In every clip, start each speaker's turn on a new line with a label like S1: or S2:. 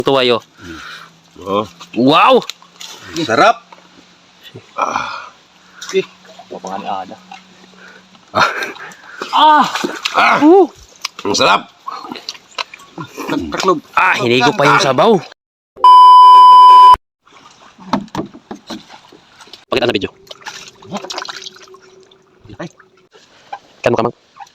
S1: Tuwayo.
S2: Oh.
S1: Wow!
S2: Sarap.
S3: Pangan ada.
S2: Ang sarap.
S3: Taklob.
S1: Hindi ko pa yung sabaw. Pakita sa video. Kan mo kamang.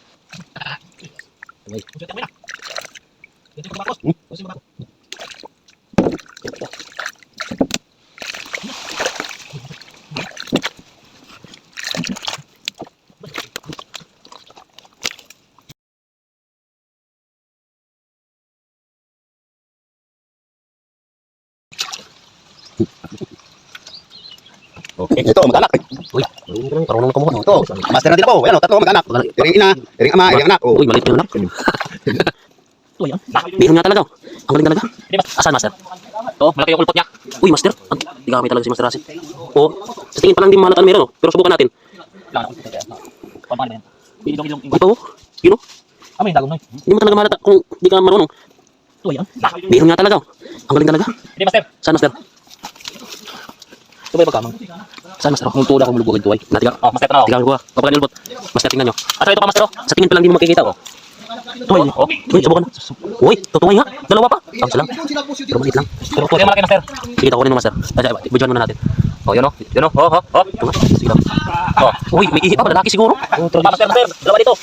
S2: Okay. Ito, mag-anak.
S1: Uy, parang ka mo.
S2: Ito, master natin po. Ayan, tatlo mag-anak. Iring ina, iring ama, iring anak.
S1: Uy, maliit yung anak. Uy, meron nga talaga. Ang galing talaga. Asan, master?
S3: Oh, malaki yung kulpot niya.
S1: Uy, master. Di gamit talaga si Master Rasid. Oo. Sa tingin pa lang di mahalatan meron, pero subukan natin.
S3: Paano yan? Ilong.
S1: Uy, pa, yun o.
S3: May dagong na.
S1: Hindi mo talaga mahalata kung di ka marunong.
S3: Ito yan.
S1: Meron nga talaga. Ang galing talaga.
S3: Hindi, master.
S1: Saan, master?
S3: Ito ba yung pagkamang?
S1: Saan, master?
S3: Multo na akong mulugugin ito ay.
S1: Natiga.
S3: Oh, master na ako.
S1: Tiga ko. Papagan nilbot. Master, tingnan nyo.
S3: Asa ito ka, master?
S1: Sa tingin pa lang di mo makikita. Uy, uy, subukan na. Uy, tutungoy nga. Dalawa pa. Isa lang. Pero maliit lang.
S3: Pero ito yung malaki, master.
S1: Sige, takunin mo, master. Budyohan muna natin.
S3: Oh, yun o. Yun o. Oh.
S1: Ito nga. Sige lang.
S3: Oh.
S1: Uy, may ihi pa. Lalaki siguro.
S3: Master. Dalawa dito.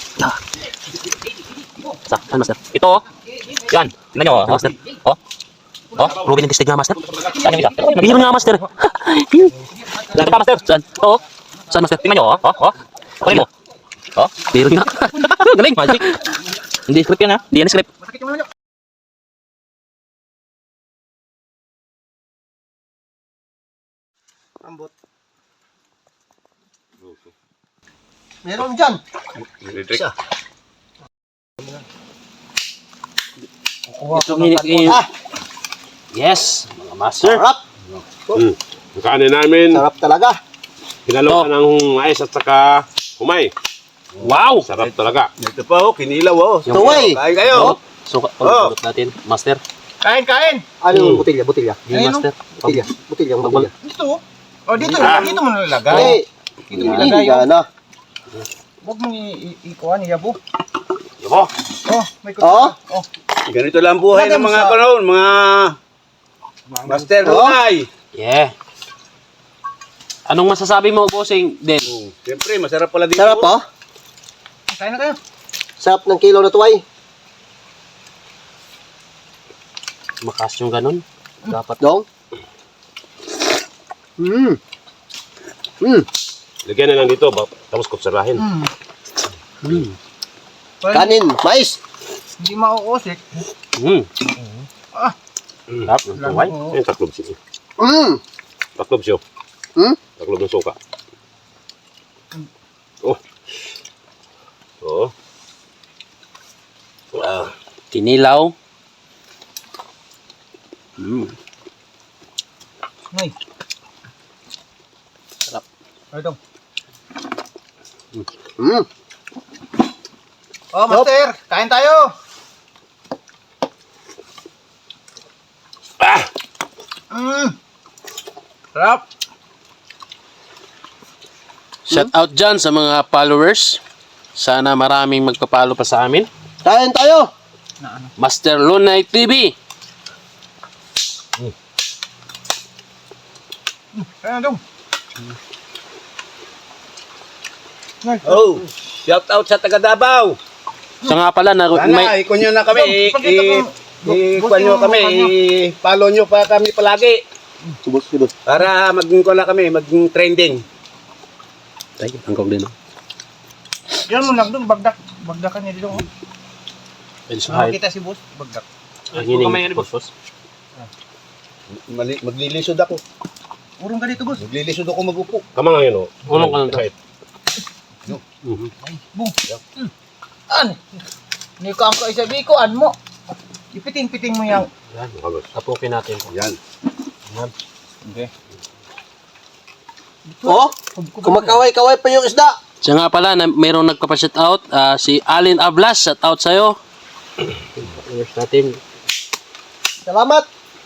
S1: Saan, master?
S3: Ito o. Yan. Tingnan nyo o.
S1: Master.
S3: Oh.
S1: Ruben yung testig nga, master.
S3: Saan yung isa?
S1: Bihon nga, master.
S3: Ito pa, master.
S1: Saan?
S3: Oo.
S1: Saan, master?
S3: Tingnan nyo o. Kunin mo. Oh.
S1: Meron nga. Galing.
S3: Magic. Hindi script yan ha.
S1: Di yan script.
S4: Ambot. Meron dyan.
S2: Electric.
S1: Ito yung... Yes, mga master.
S4: Sarap.
S2: Ang kanin namin,
S4: Sarap talaga.
S2: hinalo ka ng mais at saka humay.
S1: Wow!
S2: Sarap talaga. Ito pa oh, kinilaw oh.
S4: Tuway.
S2: Kain kayo.
S1: So, pagbalot natin, master.
S5: Kain!
S4: Ano yung botilya? Botilya.
S1: Yung
S5: Ayun,
S1: master.
S4: Botilya. Botilya. Botilya.
S5: Dito. Oh, dito mo nalagay.
S4: Eh,
S5: Dito mo nalagay.
S4: hindi na.
S5: Huwag mong ikuhan, iyabo.
S2: Yabo.
S5: Oh, may
S4: Oh?
S5: kutsara. Oh,
S2: Ganito lang buhay ng mga kanon, mga master
S4: Oh.
S2: hunay.
S1: Yeah. Anong masasabi mo, bossing, Den?
S2: Siyempre, masarap pala dito.
S4: Sarap oh.
S5: kain na kayo.
S4: Sarap ng kilo na tuway.
S1: Makas yung ganun. Dapat.
S4: Dong.
S2: Lagyan na lang dito, tapos kutsarahin.
S4: Kanin. Mais.
S5: Hindi mauusik.
S1: Sarap ng tuway.
S2: Ayun, taklob siya. Taklob siya. Taklob ng suka. Oh. Oh. Wow.
S1: Kinilaw.
S5: Nay.
S1: Sarap.
S5: Ay, dong.
S4: Mm.
S5: Oh, master. Kain tayo. Sarap.
S1: Shout out dyan sa mga followers. Sana maraming magpapalo pa sa amin.
S4: Kain tayo.
S1: Master Lunay TV.
S5: Kain na, dong.
S2: Oh, shout out sa taga Davao.
S1: Siya nga pala,
S2: Sana, ikon nyo na kami. Ikon nyo kami. I-follow nyo pa kami palagi.
S4: Subos.
S2: Para maging kami, maging trending.
S1: Ay, hanggang din.
S5: Yan mo lang dong, bagdak. Bagdakan niya dito. Oh.
S1: Pwede sa height.
S5: Makita si boss, bagdak.
S1: Ang hining. Boss.
S2: Maglilisod ako.
S5: Urong ka dito, boss.
S2: Maglilisod ako magupo. Kama nga yun, oh.
S1: Ulong ka lang daw.
S2: Kahit.
S5: An? Ni ko ang kaisabi ko, an mo. Ipiting-piting mo yang.
S2: Yan, makagos.
S1: Tapukin natin.
S2: Yan.
S5: Okay.
S4: Oh, kumakaway-kaway pa yung isda.
S1: Siya nga pala, mayroong nagpapa-shout out. Si Alin Ablas, shout out sa'yo. Followers natin.
S4: Salamat.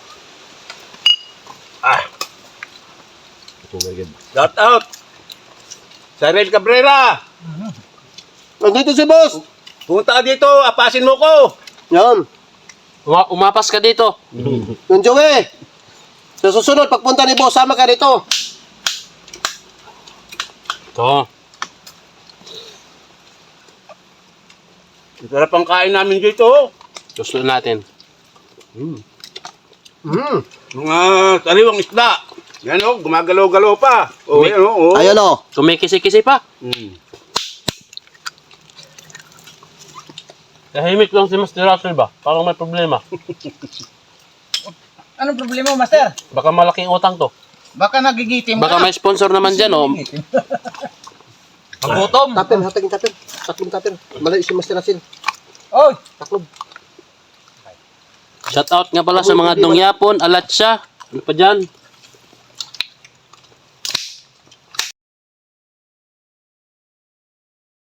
S2: Shout out. Cyril Cabrera.
S4: Nandito si boss.
S2: Punta ka dito, apasin mo ko.
S4: Yan.
S1: Umapas ka dito.
S4: Yung Joey. Sa susunod, pagpunta ni boss, sama ka dito.
S1: Ito.
S2: Sarap ang kain namin dito.
S1: Gusto natin.
S2: Mga sariwang isda. Yan o, gumagalaw-galaw pa. O, yan o.
S4: Ayun o.
S1: Kumikisi-kisi pa. Tahimik lang si Master Russell ba? Parang may problema.
S5: Anong problema mo, Master?
S1: Baka malaking utang to.
S5: Baka nagigitim
S1: Baka may sponsor naman dyan, oh.
S3: Ang gutom.
S4: Tapin, hatagin tapin. Tatlong tapin. Malayo si Master Russell.
S5: Oy!
S4: Taklob.
S1: Shout out nga pala sa mga Dongyapon, Alatsya. Ano pa dyan?